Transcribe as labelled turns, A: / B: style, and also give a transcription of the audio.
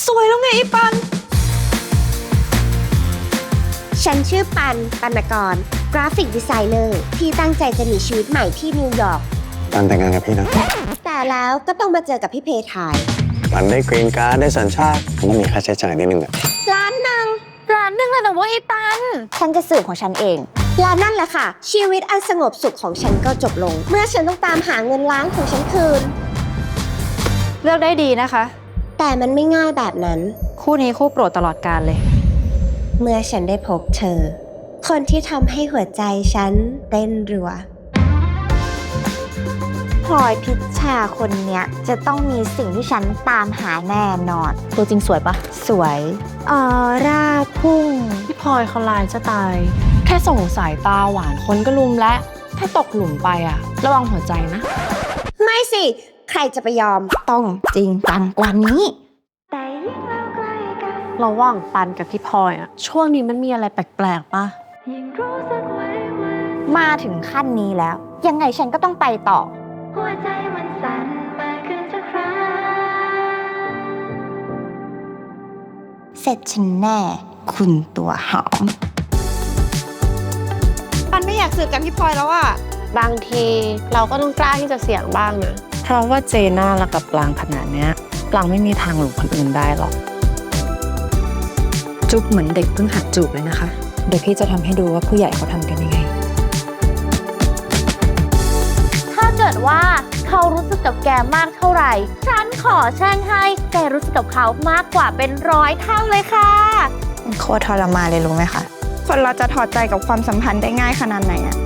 A: สวยแล้วไงไอ้ปัน
B: ฉันชื่อปัน ปนกร กราฟิกดีไซเนอร์ที่ตั้งใจจะมีชีวิตใหม่ที่นิวยอร์ก
C: ปันแต่งงานกับพี่นะ
B: แต่แล้วก็ต้องมาเจอกับพี่เพทาย
C: ปันได้กรีนการ์ดได้สัญชาติมันต้องมีค่าใช้จ่ายนิดนึงอะ
B: ร้านหนึ่ง
A: ร้านหนึ่งเลยนะเว้ยไอ้ปัน
B: ฉันจะสืบของฉันเอง และนั่นแหละค่ะ ชีวิตอันสงบสุขของฉันก็จบลง เมื่อฉันต้องตามหาเงินล้านของฉันคืน
A: เลือกได้ดีนะคะ
B: แต่มันไม่ง่ายแบบนั้น
A: คู่นี้คู่โปรดตลอดกาลเลย
B: เมื่อฉันได้พบเธอ คนที่ทำให้หัวใจฉันเต้นรัวพลอยพิชชาคนเนี้ยจะต้องมีสิ่งที่ฉันตามหาแน่นอน
A: ตัวจริงสวยปะ
B: สวยออร่าพุ่ง
D: พี่พลอยเขาลายจะตาย แค่ส่งสายตาหวานคนก็ลุมและถ้าตกหลุมไปอะระวังหัวใจนะ
B: ไม่สิ ใครจะไปยอม ต้องจริงจังกว่านี้
D: ระหว่างปันกับพี่พลอยอะช่วงนี้มันมีอะไรแปลกๆปะ
B: มาถึงขั้นนี้แล้ว ยังไงฉันก็ต้องไปต่อ เสร็จฉันแน่ คุณตัวหอม
A: ปันไม่อยากสืบกับพี่พลอยแล้วอะ
D: บางทีเราก็ต้องกล้าที่จะเสี่ยงบ้างนะ เพราะว่าเจน่ารักกับปลางขนาดเนี้ยปลางไม่มีทางหลงคนอื่นได้หรอก
E: จุ๊บเหมือนเด็กเพิ่งหัดจูบเลยนะคะ เดี๋ยวพี่จะทำให้ดูว่าผู้ใหญ่เขาทำกันยังไง
F: ถ้าเกิดว่าเขารู้สึกกับแกมากเท่าไหร่ ฉันขอแช่งให้แกรู้สึกกับเขามากกว่าเป็น100 เท่าเลยค่ะ
G: โคตรทรมานเลยรู้ไหมคะ คนเราจะถอดใจกับความสัมพันธ์ได้ง่ายขนาดไหนอะ